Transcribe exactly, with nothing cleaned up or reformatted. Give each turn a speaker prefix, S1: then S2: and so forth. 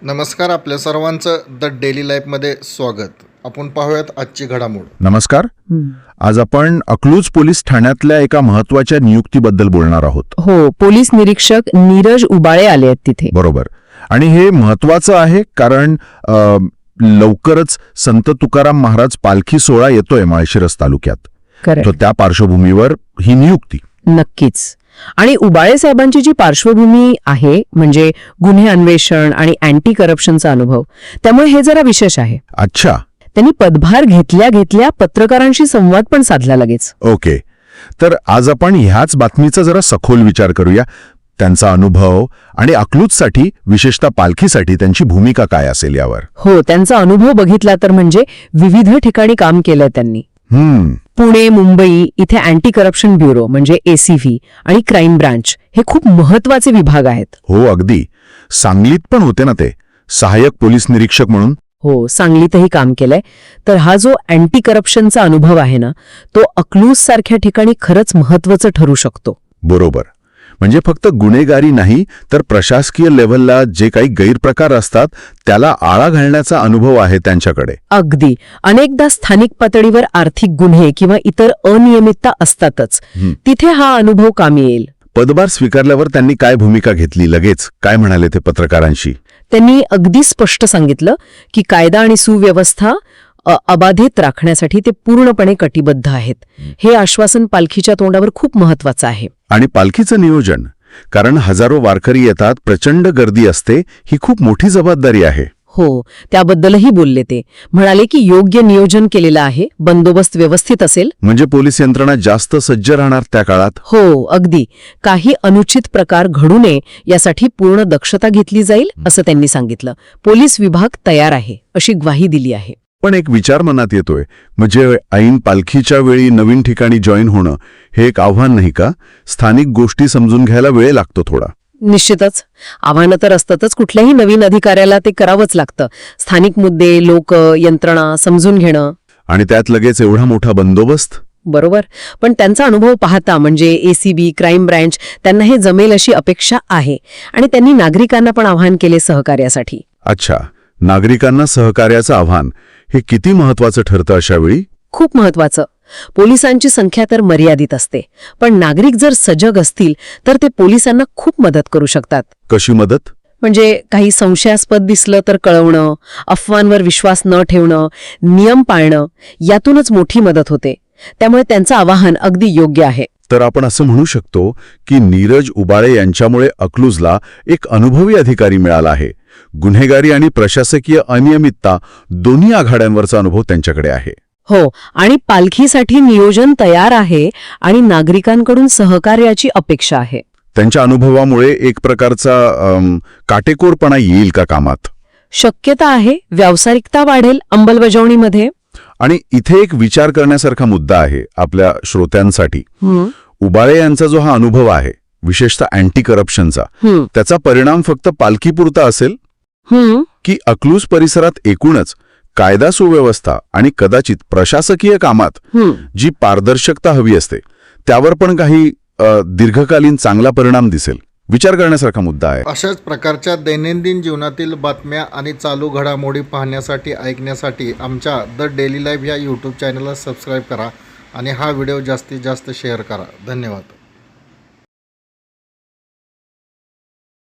S1: नमस्कार, आपल्या सर्वांचं द डेली लाईफमध्ये स्वागत. आपण पाहूयात आजची घडामोड.
S2: नमस्कार. आज आपण अकलूज पोलीस ठाण्यातल्या एका महत्वाच्या नियुक्तीबद्दल बोलणार आहोत.
S3: हो, पोलीस निरीक्षक नीरज उबाळे आले आहेत तिथे.
S2: बरोबर. आणि हे महत्वाचं आहे कारण अ, लवकरच संत तुकाराम महाराज पालखी सोहळा येतोय माळशिरस तालुक्यात.
S3: Correct.
S2: तर त्या पार्श्वभूमीवर ही नियुक्ती.
S3: नक्कीच. आणि उबाळे साहेबांची जी पार्श्वभूमी आहे म्हणजे गुन्हे अन्वेषण आणि अँटी करप्शनचा अनुभव, त्यामुळे हे जरा विशेष आहे.
S2: अच्छा.
S3: त्यांनी पदभार घेतल्या घेतल्या पत्रकारांशी संवाद पण साधला लगेच.
S2: ओके. तर आज आपण ह्याच बातमीचा जरा सखोल विचार करूया. त्यांचा अनुभव आणि अकलूजसाठी, विशेषतः पालखीसाठी त्यांची भूमिका काय असेल यावर.
S3: हो, त्यांचा अनुभव बघितला तर म्हणजे विविध ठिकाणी काम केलंय त्यांनी.
S2: हम्म
S3: पुणे, मुंबई इथे अँटी करप्शन ब्युरो म्हणजे एसीव्ही आणि क्राईम ब्रांच हे खूप महत्वाचे विभाग आहेत.
S2: हो, अगदी. सांगलीत पण होते ना ते सहाय्यक पोलीस निरीक्षक म्हणून.
S3: हो, सांगलीतही काम केलंय. तर हा जो अँटी करप्शनचा अनुभव आहे ना, तो अकलूज सारख्या ठिकाणी खरंच महत्वाचं ठरू शकतो.
S2: बरोबर. म्हणजे फक्त गुन्हेगारी नाही तर प्रशासकीय लेव्हलला जे काही गैरप्रकार असतात त्याला आळा घालण्याचा अनुभव आहे त्यांच्याकडे.
S3: अगदी. अनेकदा स्थानिक पातळीवर आर्थिक गुन्हे किंवा इतर अनियमितता असतातच. तिथे हा अनुभव कामी येईल.
S2: पदभार स्वीकारल्यावर त्यांनी काय भूमिका घेतली, लगेच काय म्हणाले ते पत्रकारांशी?
S3: त्यांनी अगदी स्पष्ट सांगितलं की कायदा आणि सुव्यवस्था अ, अबाधित राखण्यासाठी ते पूर्णपणे कटिबद्ध आहेत. हे आश्वासन पालखीच्या तोंडावर खूप महत्वाचं आहे.
S2: आणि पालखीचं नियोजन, कारण हजारो वारकरी येतात, प्रचंड गर्दी असते, ही खूप मोठी जबाबदारी आहे.
S3: हो, त्याबद्दलही बोलले ते. म्हणाले की योग्य नियोजन केलेलं आहे, बंदोबस्त व्यवस्थित असेल.
S2: म्हणजे पोलीस यंत्रणा जास्त सज्ज राहणार त्या काळात.
S3: हो, अगदी. काही अनुचित प्रकार घडू नये यासाठी पूर्ण दक्षता घेतली जाईल असं त्यांनी सांगितलं. पोलीस विभाग तयार आहे अशी ग्वाही दिली आहे.
S2: पण एक विचार मनात येतोय, म्हणजे ऐन पालखीच्या वेळी नवीन ठिकाणी जॉईन होणं हे एक आव्हान नाही का? स्थानिक गोष्टी समजून घ्यायला वेळ लागतो थोडा.
S3: निश्चितच. आव्हानं तर असतातच. कुठल्याही नवीन अधिकाऱ्याला ते करावंच लागतं. स्थानिक मुद्दे, लोक, यंत्रणा समजून घेणं.
S2: आणि त्यात लगेच एवढा मोठा बंदोबस्त.
S3: बरोबर. पण त्यांचा अनुभव पाहता म्हणजे एसीबी, क्राईम ब्रँच त्यांना हे जमेल अशी अपेक्षा आहे. आणि त्यांनी नागरिकांना पण आवाहन केले सहकार्यासाठी.
S2: अच्छा. नागरिकांना सहकार्याचं आव्हान हे किती महत्वाचं ठरतं अशा वेळी?
S3: खूप महत्वाचं. पोलिसांची संख्या तर मर्यादित असते, पण नागरिक जर सजग असतील तर ते पोलिसांना खूप मदत करू शकतात.
S2: कशी मदत?
S3: म्हणजे काही संशयास्पद दिसलं तर कळवणं, अफवांवर विश्वास न ठेवणं, नियम पाळणं, यातूनच मोठी मदत होते. त्यामुळे त्यांचं आवाहन अगदी योग्य आहे.
S2: तर आपण असं म्हणू शकतो की नीरज उबाळे यांच्यामुळे अकलूजला एक अनुभवी अधिकारी मिळाला आहे. गुन्हेगारी आणि प्रशासकीय अनियमितता दोन्ही आघाड्यांवरचा अनुभव त्यांच्याकडे आहे.
S3: हो, आणि पालखीसाठी नियोजन तयार आहे आणि नागरिकांकडून सहकार्याची अपेक्षा आहे.
S2: त्यांच्या अनुभवामुळे एक प्रकारचा अम, काटेकोरपणा येईल का कामात?
S3: शक्यता आहे. व्यावसायिकता वाढेल अंमलबजावणीमध्ये.
S2: आणि इथे एक विचार करण्यासारखा मुद्दा आहे आपल्या श्रोत्यांसाठी. उबाळे यांचा जो हा अनुभव आहे, विशेषतः अँटी करप्शनचा, त्याचा परिणाम फक्त पालखीपुरता असेल की अकलूज परिसरात एकूणच कायदा सुव्यवस्था आणि कदाचित प्रशासकीय कामात जी पारदर्शकता हवी असते त्यावर पण काही अ, दीर्घकालीन चांगला परिणाम दिसेल? विचार करण्यासारखा मुद्दा आहे.
S1: अशाच प्रकारच्या दैनंदिन जीवनातील बातम्या आणि चालू घडामोडी पाहण्यासाठी, ऐकण्यासाठी आमच्या द डेली लाईफ या यूट्यूब चॅनलला सबस्क्राईब करा आणि हा व्हिडिओ जास्तीत जास्त शेअर करा. धन्यवाद.